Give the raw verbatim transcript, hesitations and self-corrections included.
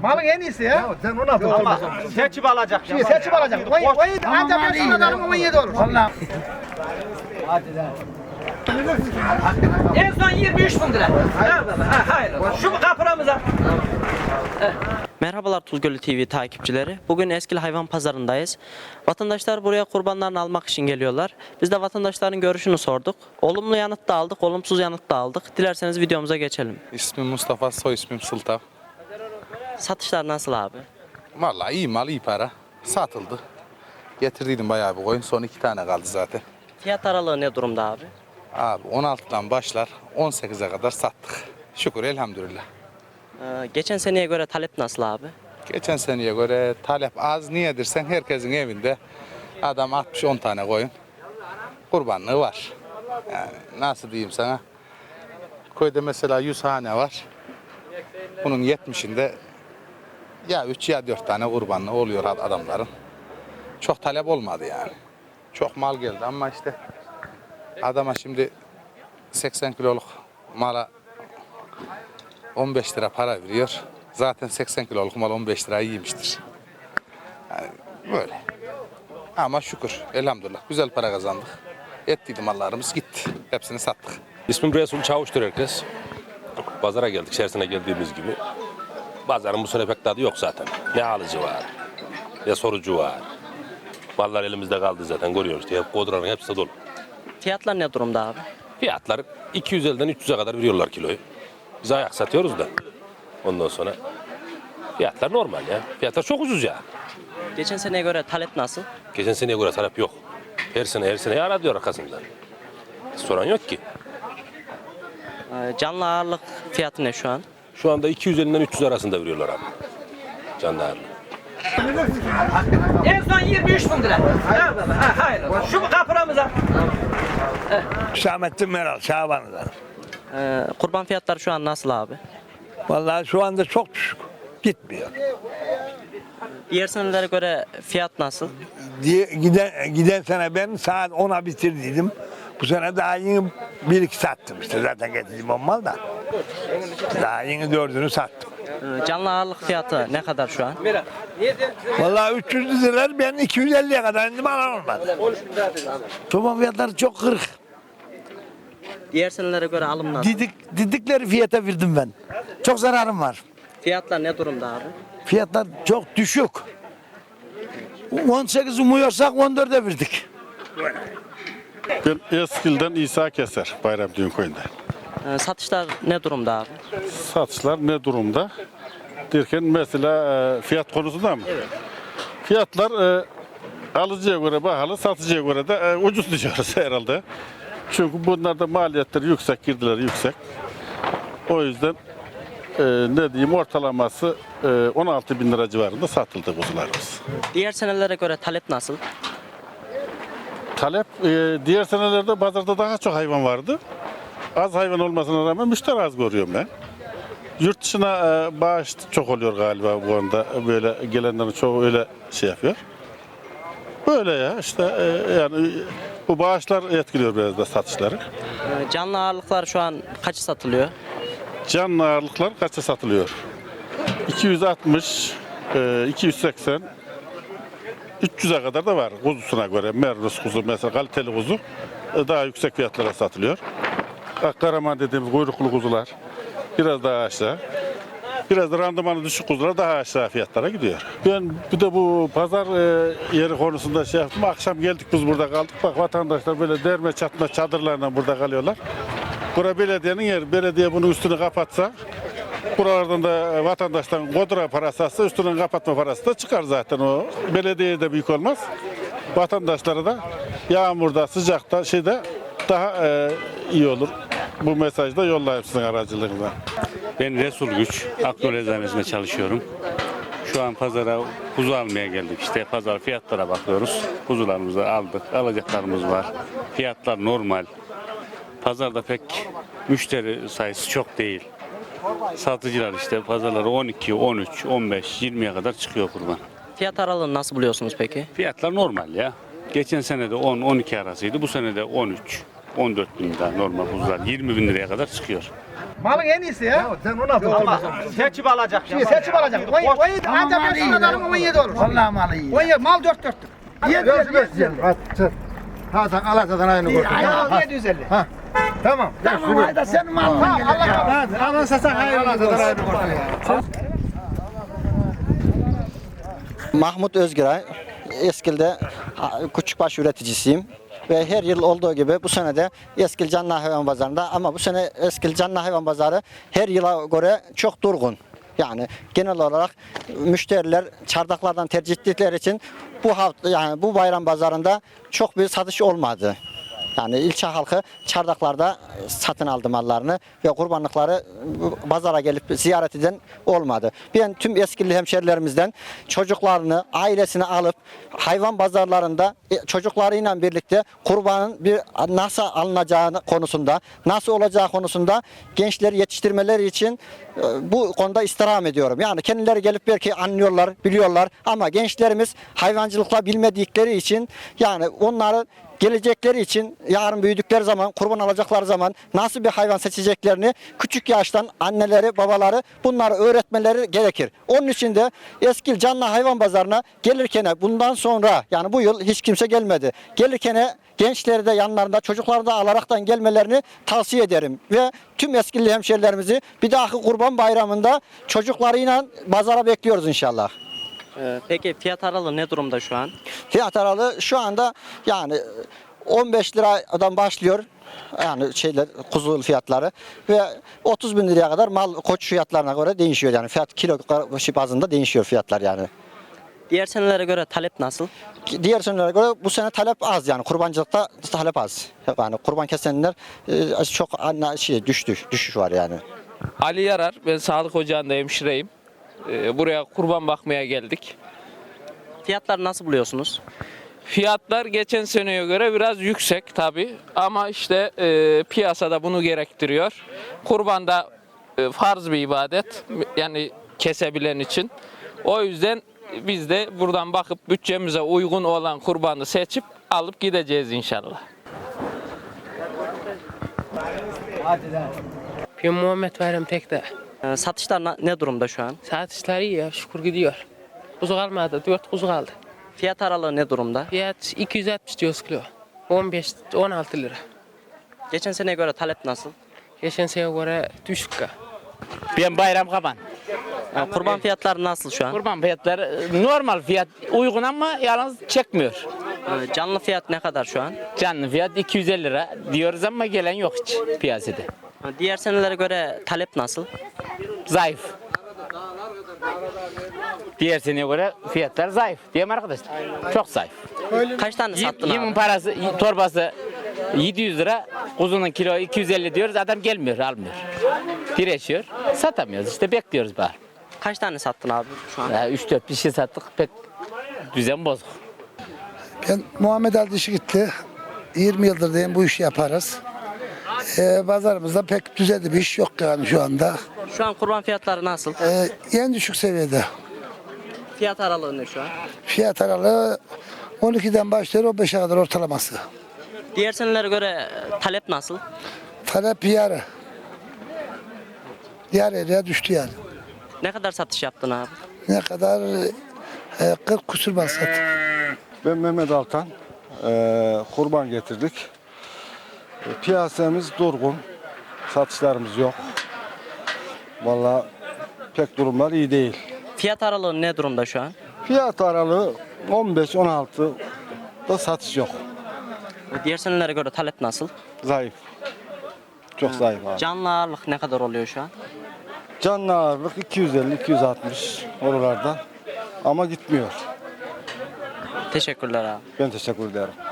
Malın en iyisi ya. Sen on altı Ama Seçip alacak. Şimdi seçip alacak. on yedi ancak ben şuna darım on yedi olur. Vallahi. En son yirmi üç bin lira. Ha, ha, hayır. Şu kapıramıza. Merhabalar Tuzgölü T V takipçileri. Bugün Eskil Hayvan Pazarındayız. Vatandaşlar buraya kurbanlarını almak için geliyorlar. Biz de vatandaşların görüşünü sorduk. Olumlu yanıt da aldık, olumsuz yanıt da aldık. Dilerseniz videomuza geçelim. İsmim Mustafa, soy ismim Sultan. Satışlar nasıl abi? Vallahi iyi mal, iyi para. Satıldı. Getirdiydim bayağı bir koyun. Son iki tane kaldı zaten. Fiyat aralığı ne durumda abi? Abi on altıdan başlar, on sekize kadar sattık. Şükür elhamdülillah. Ee, geçen seneye göre talep nasıl abi? Geçen seneye göre talep az. Niye dersen herkesin evinde adam altmış on tane koyun. Kurbanlığı var. Yani nasıl diyeyim sana? Köyde mesela yüz hane var. Bunun yetmişinde ya üç ya dört tane kurbanlığı oluyor adamların. Çok talep olmadı yani. Çok mal geldi ama işte adama şimdi seksen kiloluk mala on beş lira para veriyor. Zaten seksen kiloluk mal on beş lirayı yemiştir. Yani böyle. Ama şükür elhamdülillah güzel para kazandık. Ettiydi mallarımız gitti. Hepsini sattık. İsmim Resul Çavuş'tur herkes. Pazara geldik, içerisine geldiğimiz gibi. Pazarın bu sene pek tadı yok zaten. Ne alıcı var, ne sorucu var. Mallar elimizde kaldı zaten, görüyoruz diye. Kodranın hepsi de dolu. Fiyatlar ne durumda abi? Fiyatlar iki yüz elli'den üç yüz'e kadar veriyorlar kiloyu. Biz ayak satıyoruz da. Ondan sonra fiyatlar normal ya. Fiyatlar çok ucuz ya. Geçen seneye göre talep nasıl? Geçen seneye göre talep yok. Her sene her sene ara diyor arkasından. Soran yok ki. Ee, canlı ağırlık fiyatı ne şu an? Şu anda iki yüz elli'den üç yüz arasında veriyorlar abi. Canlı ağırlığı. En son yirmi üç bin lira. Ha, ha, hayır. Şu kapıramıza. Hüsamettin Meral, Şaban'dan. Ee, kurban fiyatları şu an nasıl abi? Vallahi şu anda çok düşük. Gitmiyor. Diğer senelere göre fiyat nasıl? Diye, giden, giden sene ben saat ona bitirdiydim. Bu sene daha yeni bir iki sattım işte. Zaten getirdim on mal da. Daha yeni dördünü sattım. Ee, canlı ağırlık fiyatı ne kadar şu an? Vallahi üç yüz liralar ben iki yüz elli'ye kadar indim alan olmadı. Çoban fiyatları çok kırık. Diğer senelere göre alım nasıl? Didik, didikleri fiyata verdim ben. Çok zararım var. Fiyatlar ne durumda abi? Fiyatlar çok düşük. on sekiz umuyorsak on dört'e verdik. Ben Eskil'den İsa Keser, Bayram Düğün Köyü'nde. Ee, satışlar ne durumda abi? Satışlar ne durumda? Derken mesela e, fiyat konusunda mı? Evet. Fiyatlar e, alıcıya göre pahalı, satıcıya göre de e, ucuz diyoruz herhalde. Çünkü bunlarda maliyetleri yüksek, girdileri yüksek. O yüzden e, ne diyeyim ortalaması e, on altı bin lira civarında satıldı kuzularımız. Diğer senelere göre talep nasıl? Talep e, diğer senelerde pazarda daha çok hayvan vardı. Az hayvan olmasına rağmen müşteri az görüyorum ben. Yurt dışına e, bağış çok oluyor galiba bu anda. Böyle gelenlerin çoğu öyle şey yapıyor. Böyle ya işte e, yani bu bağışlar etkiliyor biraz da satışları. Ee, canlı ağırlıklar şu an kaç satılıyor? Canlı ağırlıklar kaça satılıyor? iki yüz altmış, e, iki yüz seksen, üç yüz'e kadar da var kuzusuna göre. Merlus kuzu mesela kaliteli kuzu e, daha yüksek fiyatlara satılıyor. Akkaraman dediğimiz kuyruklu kuzular biraz daha aşağı. Biraz da randımanı düşük kuzular daha aşağı fiyatlara gidiyor. Ben bir de bu pazar e, yeri konusunda şey yaptım. Akşam geldik biz burada kaldık. Bak vatandaşlar böyle derme çatma çadırlarla burada kalıyorlar. Bura belediyenin yeri. Belediye bunun üstünü kapatsa buralardan da vatandaştan kodra parası alsa üstünün kapatma parası da çıkar zaten o. Belediyeye de büyük olmaz. Vatandaşlara da yağmurda, sıcakta şeyde daha e, iyi olur. Bu mesajı da yollayayım sizin aracılığınızla. Ben Resul Güç, Akdol Eczanesi'nde çalışıyorum. Şu an pazara kuzu almaya geldik. İşte pazar fiyatlara bakıyoruz. Kuzularımızı aldık, alacaklarımız var. Fiyatlar normal. Pazarda pek müşteri sayısı çok değil. Satıcılar işte pazarları on iki, on üç, on beş, yirmi'ye kadar çıkıyor kurban. Fiyat aralığını nasıl buluyorsunuz peki? Fiyatlar normal ya. Geçen sene de on on iki arasıydı. Bu sene de on üç. on dört bin lira normal kuzular. yirmi bin liraya kadar çıkıyor. Malın en iyisi ya. Sen ona Ama seçip alacak. Şey, seçim alacak. on yedi, ancak beş liradan alın on yedi olur. Vallahi malı iyi. on yedi, mal dört dörttür. Yedi yüz elli. Ha sen Alaçatı'dan aynı kurtun. Aynen yedi yüz elli. Tamam. Tamam hayda senin malın. Tamam, Allah kabul. Hadi alan sasak hayırlı olsun. Aynı kurtun. Mahmut Özgüray, Eskil'de küçükbaş üreticisiyim ve her yıl olduğu gibi bu sene de Eskil Canlı Hayvan Pazarı'nda, ama bu sene Eskil Canlı Hayvan Pazarı her yıla göre çok durgun. Yani genel olarak müşteriler çardaklardan tercih ettikleri için bu hafta, yani bu bayram pazarında çok bir satış olmadı. Yani ilçe halkı çardaklarda satın aldı mallarını ve kurbanlıkları pazara gelip ziyaret eden olmadı. Ben tüm Eskilli hemşerilerimizden çocuklarını, ailesini alıp hayvan pazarlarında çocuklarıyla birlikte kurbanın bir nasıl alınacağı konusunda, nasıl olacağı konusunda gençleri yetiştirmeleri için bu konuda istirham ediyorum. Yani kendileri gelip belki anlıyorlar, biliyorlar, ama gençlerimiz hayvancılıkla bilmedikleri için, yani onları gelecekleri için, yarın büyüdükleri zaman, kurban alacakları zaman nasıl bir hayvan seçeceklerini küçük yaştan anneleri, babaları bunları öğretmeleri gerekir. Onun için de Eskil Canlı Hayvan Pazarı'na gelirken bundan sonra, yani bu yıl hiç kimse gelmedi. Gelirken gençleri de yanlarında, çocukları da alaraktan gelmelerini tavsiye ederim. Ve tüm Eskilli hemşerilerimizi bir dahaki Kurban Bayramı'nda çocuklarıyla pazara bekliyoruz inşallah. Peki fiyat aralığı ne durumda şu an? Fiyat aralığı şu anda yani on beş liradan başlıyor. Yani şeyler, kuzu fiyatları ve otuz bin liraya kadar mal koç fiyatlarına göre değişiyor, yani fiyat kilo bazında değişiyor fiyatlar yani. Diğer senelere göre talep nasıl? Diğer senelere göre bu sene talep az, yani kurbancılıkta talep az. Yani kurban kesenler çok şey düştü, düşüş var yani. Ali Yarar, ben sağlık ocağında hemşireyim. Buraya kurban bakmaya geldik. Fiyatları nasıl buluyorsunuz? Fiyatlar geçen seneye göre biraz yüksek tabi, ama işte e, piyasada bunu gerektiriyor. Kurban da e, farz bir ibadet, yani kesebilen için. O yüzden biz de buradan bakıp bütçemize uygun olan kurbanı seçip alıp gideceğiz inşallah. Ben Muhammed Bayram Tek'te. Ee, satışlar na- ne durumda şu an? Satışlar iyi ya, şükür gidiyor. Kuzu kalmadı, dört kuzu kaldı. Fiyat aralığı ne durumda? Fiyat iki yüz altmış diyoruz kilo. on beş on altı lira. Geçen seneye göre talep nasıl? Geçen sene göre düşük. Ben Bayram Kaban. Yani kurban fiyatları nasıl şu an? Kurban fiyatları normal fiyat, uygun ama yalnız çekmiyor. Ee, canlı fiyat ne kadar şu an? Canlı fiyat iki yüz elli lira diyoruz ama gelen yok hiç piyasada. Ee, Diğer senelere göre talep nasıl? Zayıf. Diğer seneye göre fiyatlar zayıf. Değil mi arkadaşlar? Çok zayıf. Kaç tane sattın Yemin abi? parası, torbası yedi yüz lira, kuzunun kilo iki yüz elli diyoruz, adam gelmiyor, almıyor. Direşiyor, satamıyoruz işte, bekliyoruz bari. Kaç tane sattın abi şu an? üç dört bir şey sattık, pek düzen bozuk. Ben Muhammed Ali Dişigitli, yirmi yıldır diyeyim bu işi yaparız. Ee, pazarımızda pek düzenli bir iş yok yani şu anda. Şu an kurban fiyatları nasıl? Ee, en düşük seviyede. Fiyat aralığı ne şu an? Fiyat aralığı on ikiden başlıyor on beşe kadar ortalaması. Diğer senelere göre talep nasıl? Talep yarı. Yarı yarıya düştü yani. Ne kadar satış yaptın abi? Ne kadar? E, kırk kusur basat. Ben Mehmet Altan. Ee, kurban getirdik. Ee, piyasamız durgun. Satışlarımız yok. Vallahi pek durumlar iyi değil. Fiyat aralığı ne durumda şu an? Fiyat aralığı on beş on altı da satış yok. Diğer senelere göre talep nasıl? Zayıf. Çok zayıf abi. Canlı ağırlık ne kadar oluyor şu an? Canlı ağırlık iki yüz elli iki yüz altmış oralarda ama gitmiyor. Teşekkürler abi. Ben teşekkür ederim.